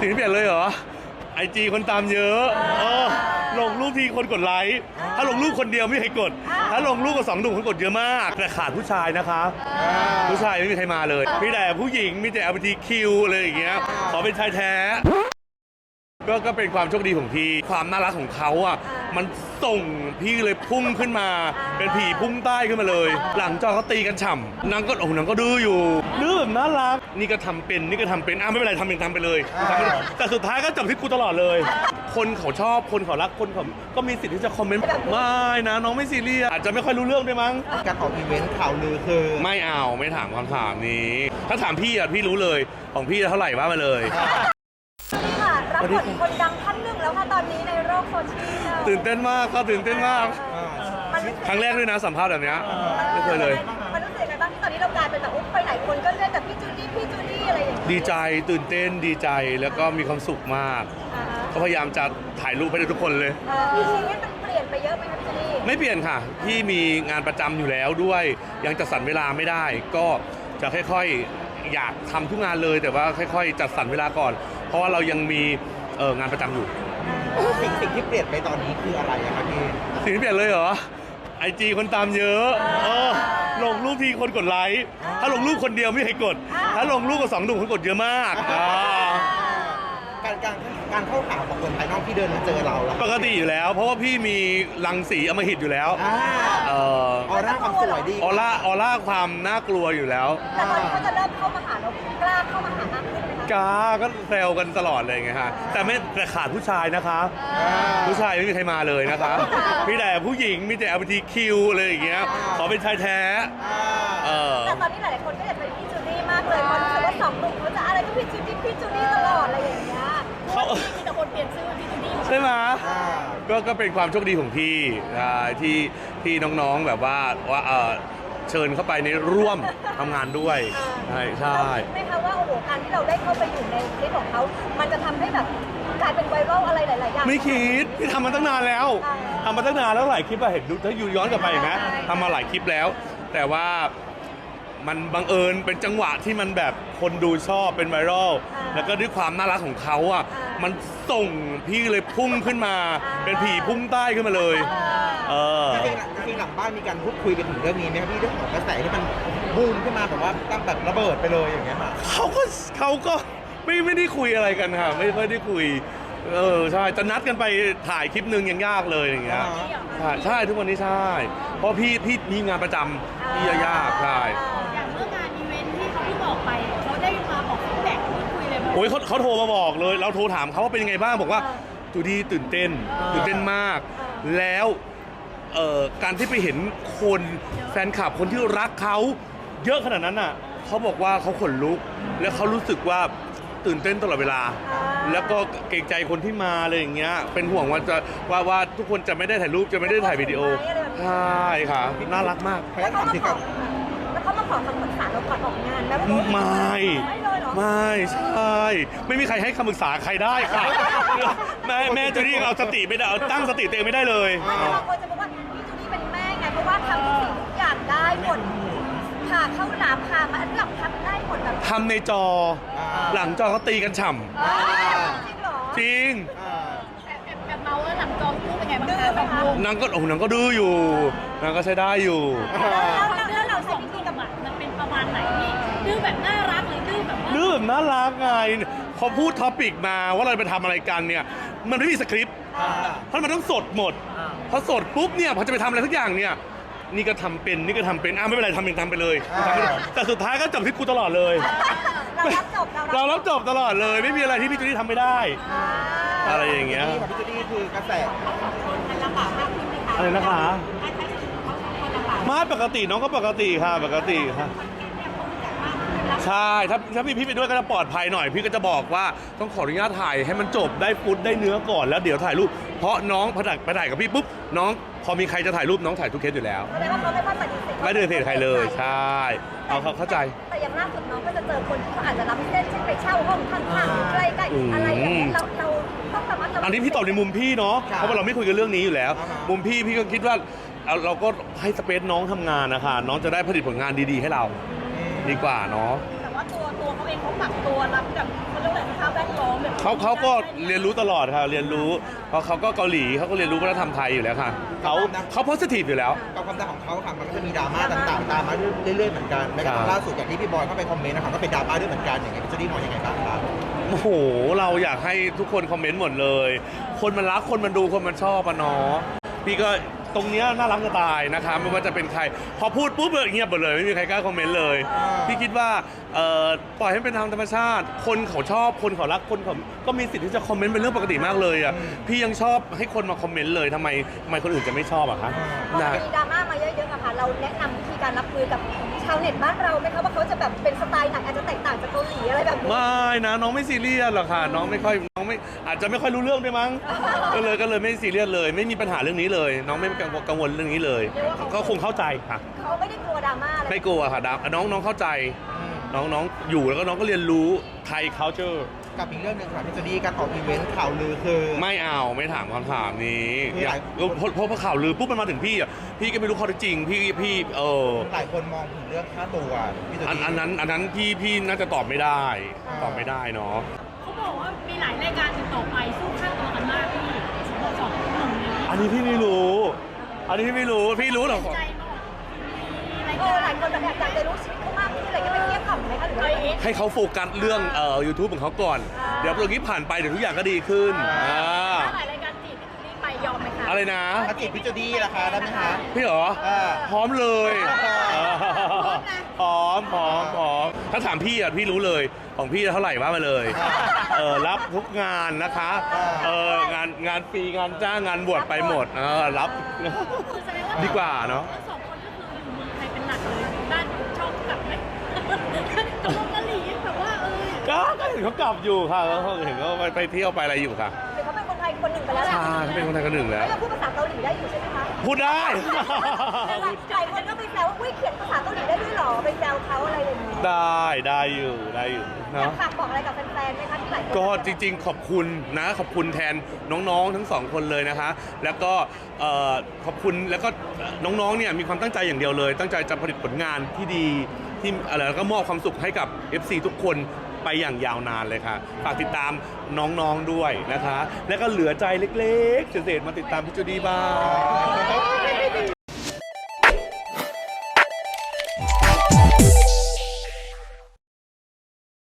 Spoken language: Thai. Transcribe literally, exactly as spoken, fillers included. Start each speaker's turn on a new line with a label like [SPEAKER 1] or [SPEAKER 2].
[SPEAKER 1] สิ่งที่เปลี่ยนเลยเหรอไอจีคนตามเยอะเออลงรูปทีคนกดไลค์ถ้าลงรูปคนเดียวไม่มีใครกดถ้าลงรูปกับสองหนุ่มคนกดเยอะมากแต่ขาดผู้ชายนะคะผู้ชายไม่มีใครมาเลยมีแต่ผู้หญิงมีแต่ แอล จี บี ที คิว อะไรอย่างเงี้ยขอเป็นชายแท้ก็ก็เป็นความโชคดีของพี่ความน่ารักของเขาอ่ะมันส่งพี่เลยพุ่งขึ้นมาเป็นผีพุ่งใต้ขึ้นมาเลย หลังจอเขาตีกันฉ่ำนางก็โอ้โหนางก็ดื้ออยู่ดื้อแบบน่ารักนี่ก็ทำเป็นนี่ก็ทำเป็นอ้าไม่เป็นไรทำเป็นทำไปเลยแต่สุดท้ายก็จบที่กูตลอดเลย คนเขาชอบคนเขารักคนเขาก็มีสิทธิ์ที่จะคอมเมนต์ไม่นะน้องไม่ซีเรียสอาจจะไม่ค่อยรู้เรื่องด้วยมั้ง
[SPEAKER 2] การออกอีเวนต์ข่าวลือคือ
[SPEAKER 1] ไม่เอาไม่ถามคำถามนี้ถ้าถามพี่อ่ะพี่รู้เลยของพี่เท่าไหร่ว่ามาเลย
[SPEAKER 3] นี่ค่ะรับบทคนดังท่านหนึ่งแล้วค่ะตอนนี้ในโลกโซเชียล
[SPEAKER 1] ตื่นเต้นมากก็ตื่นเต้นมากครั้งแรกด้วยนะสัมภาษณ์แบบนี้ไม่เคยเลย
[SPEAKER 3] มันรู้สึกยังไงบ้างที่ตอนนี้เรากลายเป็นแบบอุ๊บไปไหนคนก็เรียกแต่พี่จูดี้พี่จูดี้อะไรอย่างเงี้ย
[SPEAKER 1] ดีใจตื่นเต้นดีใจแล้วก็มีความสุขมากก็พยายามจะถ่ายรูปให้ทุกคนเลย
[SPEAKER 3] ชีวิตมันเปลี่ยนไปเยอะไหมคะพี่จูดี้
[SPEAKER 1] ไม่เปลี่ยนค่ะพี่มีงานประจำอยู่แล้วด้วยยังจัดสรรเวลาไม่ได้ก็จะค่อยๆอยากทำทุกงานเลยแต่ว่าค่อยๆจัดสรรเวลาก่อนเพราะว่าเรายังมีเอองานประจำอยู่
[SPEAKER 2] สิ่งสิ่งที่เปลี่ยนไปตอนนี้คืออะไรอะครับพี่
[SPEAKER 1] สิ่งที่เปลี่ยนเลยเหรอไอจีคนตามเยอะเออลงรูปทีคนกดไลค์ถ้าลงรูปคนเดียวไม่มีใครกดถ้าลงรูปกับสองหนุ่มคนกดเยอะมาก
[SPEAKER 2] การการการเข้าหาของคนภายนอกที่เดินมาเจอเรา
[SPEAKER 1] ปกติอยู่แล้วเพราะว่าพี่มีรังสีอำมหิตอยู่แล้ว
[SPEAKER 2] เออออร่าความสวยดี
[SPEAKER 1] ออร่าออร่าความน่ากลัวอยู่แล้ว
[SPEAKER 3] แต่ตอนนี้เขาจะเริ่มเข้ามาหาเรากล้าเข้ามาหามากขึ้นไหมคะ
[SPEAKER 1] กล้าก็แซวกันตลอดเลยไงฮะแต่ไม่แต่ขาดผู้ชายนะคะผู้ชายไม่มีใครมาเลยนะคะมีแต่ผู้หญิงมีแต่ แอล จี บี ที คิว อะไรอย่างเงี้ยขอเป็นชายแท้
[SPEAKER 3] แต่ตอนนี้หลายๆคนก็อยากเป็นพี่จูดี้มากเลยเพราะรู้สึกว่าสองหนุ่มเขาจะอะไรก็พี่จูดี้พี่จูดี้ตลอดอะไรอย่างเงี้ยเขามีแต่คนเปลี่ยนชื่อพี่จูดี้
[SPEAKER 1] ใช่ไหมก็ก็เป็นความโชคดีของพี่ที่ที่น้องๆแบบว่าว่าเออเชิญเข้าไปในร่วมทำงานด้วยใช่ใช่
[SPEAKER 3] ไม่คะว่าโอ้โหการที่เราได้เข้าไปอยู่ในคลิปของเขามันจะทำให้แบบกลายเป็นไวรัลอะไรหลายๆอย่าง
[SPEAKER 1] ไม่คิดพี่ทำมาตั้งนานแล้วทำมาตั้งนานแล้วหลายคลิปอะเห็นดูถ้าอยู่ย้อนกลับไปเห็นไหมทำมาหลายคลิปแล้วแต่ว่ามันบังเอิญเป็นจังหวะที่มันแบบคนดูชอบเป็นไวรัลแล้วก็ด้วยความน่ารักของเขาอ่ะมันส่งพี่เลยพุ่งขึ้นมาเป็นผีพุ่งใต้ขึ้นมาเลยเออ
[SPEAKER 2] จริงๆหลังบ้านมีการพูดคุยกันถึงเรื่องนี้ไหมครับพี่เรื่องของกระแสที่มันบูมขึ้นมาแบบว่าตั้งแบบระเบิดไปเลยอย่างเงี้ยค่ะ
[SPEAKER 1] เขาก็เขาก็ไม่ไม่ได้คุยอะไรกันค่ะไม่ไม่ได้คุยเออใช่จะนัดกันไปถ่ายคลิปนึงยังยากเลยอย่างเงี้ยใช่ใช่ทุกวันนี้ใช่เพราะพี่พี่มีงานประจำพี่ยากใช่
[SPEAKER 3] อย่างเมื่องานอีเวนท์ที่เขาที่บอกไปเขาได้มาบอกฟีดแบ็กคุยเลย
[SPEAKER 1] โอ้ยเขาเขาโทรมาบอกเลยเราโทรถามเขาว่าเป็นยังไงบ้างบอกว่าจูดี้ตื่นเต้นตื่นเต้นมากแล้วเอ่อการที่ไปเห็นคนแฟนคลับคนที่รักเขาเยอะขนาดนั้นอ่ะเขาบอกว่าเขาขนลุกแล้วเขารู้สึกว่าตื่นเต้นตลอดเวลาแล้วก็เกรงใจคนที่มาอะไรอย่างเงี้ยเป็นห่วงว่าจะว่าว่าทุกคนจะไม่ได้ถ่ายรูปจะไม่ได้ถ่ายวิดีโอใช่ค่ะน่ารักมาก
[SPEAKER 3] แล้วเขามาขอแล้วเขามาขอคำปรึกษาเราก่อนออกงานแล้ว
[SPEAKER 1] ไม่ไม่ใช่ไม่มีใครให้คำปรึกษาใครได้ค่ะแม่แม่จูดี้เอาสติไม่ได้เอาตั้งสติตัวเองไม่ได้เลย
[SPEAKER 3] บางคนจะบอกว่าพี่จูดี้เป็นแม่ไงเพราะว่าทำทุกสิ่งทุกอย่างได้หมดพาเข้าน้ำพามาหลับพักได้หมดแบบ
[SPEAKER 1] ทำในจอหลังจอเขาตีกันฉ่
[SPEAKER 3] ำ
[SPEAKER 1] จริง
[SPEAKER 3] แบบเมาแล้วหลังจอพูดเป็นไงบ้างคะแบบลูก
[SPEAKER 1] นางก็โอ้นางก็ดื้ออยู่นางก็ใช้ได้อยู่
[SPEAKER 3] แล้วเราใช้วิธีกับมันเป็นประมาณไหนพี่ดื้อแบบน่ารักหรือดื้อแบบ
[SPEAKER 1] ดื้อแบบน่ารักไงพอพูดท็อปิกมาว่าเราไปทำอะไรกันเนี่ยมันไม่มีสคริปต์เพราะมันต้องสดหมดพอสดปุ๊บเนี่ยพอจะไปทำอะไรทุกอย่างเนี่ยนี่ก็ทำเป็นนี่ก็ทำเป็นอ้าไม่เป็นไรทำเป็นทำไปเลยแต่สุดท้ายก็จบที่กูตลอดเลย
[SPEAKER 3] เรารับจบ
[SPEAKER 1] เรารับจบตลอดเลยไม่มีอะไรที่พี่จูดี้ทำไม่ได้อะไรอย่างเงี้ย
[SPEAKER 2] พี่จูดี้คือกระแส
[SPEAKER 1] อะไรนะคะมาปกติน้องก็ปกติค่ะปกติค่ะใช่ถ้าถ้าพี่พี่ไปด้วยก็จะปลอดภัยหน่อยพี่ก็จะบอกว่าต้องขออนุญาตถ่ายให้มันจบได้ฟุตได้เนื้อก่อนแล้วเดี๋ยวถ่ายรูปเพราะน้องพอถ่ายไปถ่ายกับพี่ปุ๊บน้องพอมีใครจะถ่ายรูปน้องถ่ายทุกเคสอยู่แล้ว
[SPEAKER 3] แสดงว่าเขาไม่ปฏิเสธ
[SPEAKER 1] ไม่ปฏิเสธใครเลยใช่เอาเขาเข้าใจ
[SPEAKER 3] แต่อย่างล่าสุดน้องก็จะเจอคนที่เขาอาจจะรับเส้นเช่นไปเช่าห้องข้างๆใกล้ๆอะไรอย่างนี้เราเราต้องสามารถ
[SPEAKER 1] อันนี้พี่ตอบในมุมพี่เนาะเพราะว่าเราไม่คุยกันเรื่องนี้อยู่แล้วมุมพี่พี่ก็คิดว่าเราก็ให้สเปซน้องทำงานนะคะน้องจะได้ผลิตผลงานดีๆให้เราดีกว่าเนาะ
[SPEAKER 3] แต่ว่าตัวตัวเขาเองเขาปรับตัวรับกับเขาเรียกว่าสภาพแวดล้อมองแบบ
[SPEAKER 1] เขาเขาก็เรียนรู้ตลอดค่ะเรียนรู้เพราะเขาก็เกาหลีเขาก็เรียนรู้วัฒนธรรมไทยอยู่แล้วค่ะเขาเขา positive อยู่แล้ว
[SPEAKER 2] กับความดังของเขาค่ะมันก็จะมีดราม่าต่างๆตามมาเรื่อยๆเหมือนกันแม้กระทั่งล่าสุดอย่างที่พี่บอยเข้าไปคอมเมนต์นะครับก็เป็นดราม่าด้วยเหมือนกันอย่างเงี้ยพี่จูดี้มองยังไงบ้างครับ
[SPEAKER 1] โอ้โหเราอยากให้ทุกคนคอมเมนต์หมดเลย คนมันรักคนมันดูคนมันชอบอะเนาะพี่ก็ตรงเนี้ยน่ารักจะตายนะคะไม่ว่าจะเป็นใครพอพูดปุ๊บเงียบหมดเลยไม่มีใครกล้าคอมเมนต์เลย พี่คิดว่าเอ่อปล่อยให้เป็นทางธรรมชาติ คนเขาชอบคนเขารักคนเขาก็มีสิทธิ์ที่จะคอมเมนต์เป็นเรื่องปกติมากเลยอ่ะพี่ยังชอบให้คนมาคอมเมนต์เลยทำไมทำไมคนอื่นจะไม่ชอบอะคะ
[SPEAKER 3] พอ
[SPEAKER 1] นะ
[SPEAKER 3] มีดราม่ามาเยอะๆอะค่ะเราแนะนำวิธีการรับมือกับชาวเน็ตบ้านเราไหมคะว่าเขาจะแบบเป็นสไตล์ไหนอาจจะแตกต่างจากเกาหลีอะไรแบบนี้
[SPEAKER 1] ไม่นะน้องไม่ซีเรียสหรอกค่ะน้องไม่ค่อยน้องไม่อาจจะไม่ค่อยรู้เรื่องด้วยมั้งก็เลยก็เลยไม่ซีเรียสเลย ไม่มีปัญหาเรื่องนี้เลย น้องไม่กังวลกังวลเรื่องนี้เลยก็คงเข้าใจค่ะ
[SPEAKER 3] เขาไม่ได้กลัวดราม่าอะไร
[SPEAKER 1] ไม่กลัวค่ะดาน้องน้องเข้าใจ น้องน้องอยู่แล้วก็น้องก็เรียนรู้ไทย culture
[SPEAKER 2] กับอีกเรื่องหนึ่งค่ะพี่จูดี้การออกอีเวนต์ข่าวลือคือ
[SPEAKER 1] ไม่เอาไม่ถามคำถามนี้
[SPEAKER 2] มีหลาย
[SPEAKER 1] เพราะเพราะเพราะข่าวลือปุ๊บมันมาถึงพี่อ่ะพี่ก็ไม่รู้ข้อเท็จจริงพี่พี่เออ
[SPEAKER 2] หลายคนมองถึงเรื่องค่าตัวพี่จู
[SPEAKER 1] อัน
[SPEAKER 2] ดี้
[SPEAKER 1] อันนั้นอันนั้นพี่พี่น่าจะตอบไม่ได้ ตอบไม่ได้เนาะ
[SPEAKER 4] เขาบอกว่ามีหลายรายการติดต่อไปสู้ค่าตัวกันมากพี่สองหนุ่มนี้
[SPEAKER 1] อันนี้พี่ไม่รู้ อันนี้พี่ไม่รู้พี่รู้หรอก
[SPEAKER 4] ใจมากมีราย
[SPEAKER 3] เอ
[SPEAKER 4] กา
[SPEAKER 3] อ
[SPEAKER 4] ร
[SPEAKER 3] หลายคนแบบอยากจะรู้ชีวิตเขามากขึ้นอะไรก็ไปเทียบกับไหมคะหรือ
[SPEAKER 4] ไป
[SPEAKER 3] ว่า
[SPEAKER 4] เอ็ก
[SPEAKER 1] ให้เขาโฟกัสเรื่องเอ่อยูทูบของเขาก่อน เดี๋ยวตรงนี้ผ่านไปเดี๋ยวทุกอย่างก็ดีขึ้นอ่า
[SPEAKER 4] ถ้าหลายรายการจีบพี่นี่ไปยอมไหมคะ
[SPEAKER 1] อะไรนะ
[SPEAKER 2] ถ้าจีบพี่จูดี้ราคาได้ไหมคะ
[SPEAKER 1] พี่เหรอ
[SPEAKER 2] อ่า
[SPEAKER 1] พร้อมเลย
[SPEAKER 2] พร้อมนะ
[SPEAKER 1] พร้อมพร้อมพร้อมถ้าถามพี่อ่ะพี่รู้เลยของพี่เท่าไหร่ว่ามาเลยเออรับทุกงานนะคะเอองานงานฟรีงานจ้างงานบวชไปหมดเออรับ
[SPEAKER 4] คือแสดงว่า
[SPEAKER 1] ดีกว่าเนาะ
[SPEAKER 4] ทั้งสองคนก็คืออยู่เมืองไทยเป็นหลักเลยด้านชอบกลับไหมตกลงกะหรี่แบบว่าเออ
[SPEAKER 1] ก็ก็เห็นเขากลับอยู่ค่ะเขาเห็นเขาไปไปเที่ยวไปอะไรอยู่ค่ะ
[SPEAKER 3] หรือเขาเป็นคนไทยคนหนึ่งไปแล้วแหละ
[SPEAKER 1] ใช่เขาเป็นคนไทยคนหนึ่งแล้ว
[SPEAKER 3] เราพูดภาษาเกาหลีได้อยู่ใช่ไหมคะ
[SPEAKER 1] พูดได้
[SPEAKER 3] หลายคนก็ไปแซวว่าอุ้ยเขียนภาษาเกาหลีได้ด้วยเหรอไปแซวเขาอะไรอย่างนี้
[SPEAKER 1] ได้ได้อยู่ได้อยู่
[SPEAKER 3] อยาก
[SPEAKER 1] เนาะ
[SPEAKER 3] ฝากบอกอะไรกับแฟนๆไหมคะที่หลายคน
[SPEAKER 1] ก็จริงๆ ขอบคุณนะขอบคุณแทนน้องๆทั้งสองคนเลยนะคะ แล้วก็เอ่อขอบคุณแล้วก็น้องๆเนี่ยมีความตั้งใจอย่างเดียวเลย ตั้งใจจะผลิตผลงานที่ดีที่อะไรแล้วก็มอบความสุขให้กับ เอฟ ซี ทุกคนไปอย่างยาวนานเลยค่ะฝากติดตามน้องๆด้วยนะคะ แล้วก็เหลือใจเล็กๆเศษๆมาติดตามพี่จูดี้บ้าง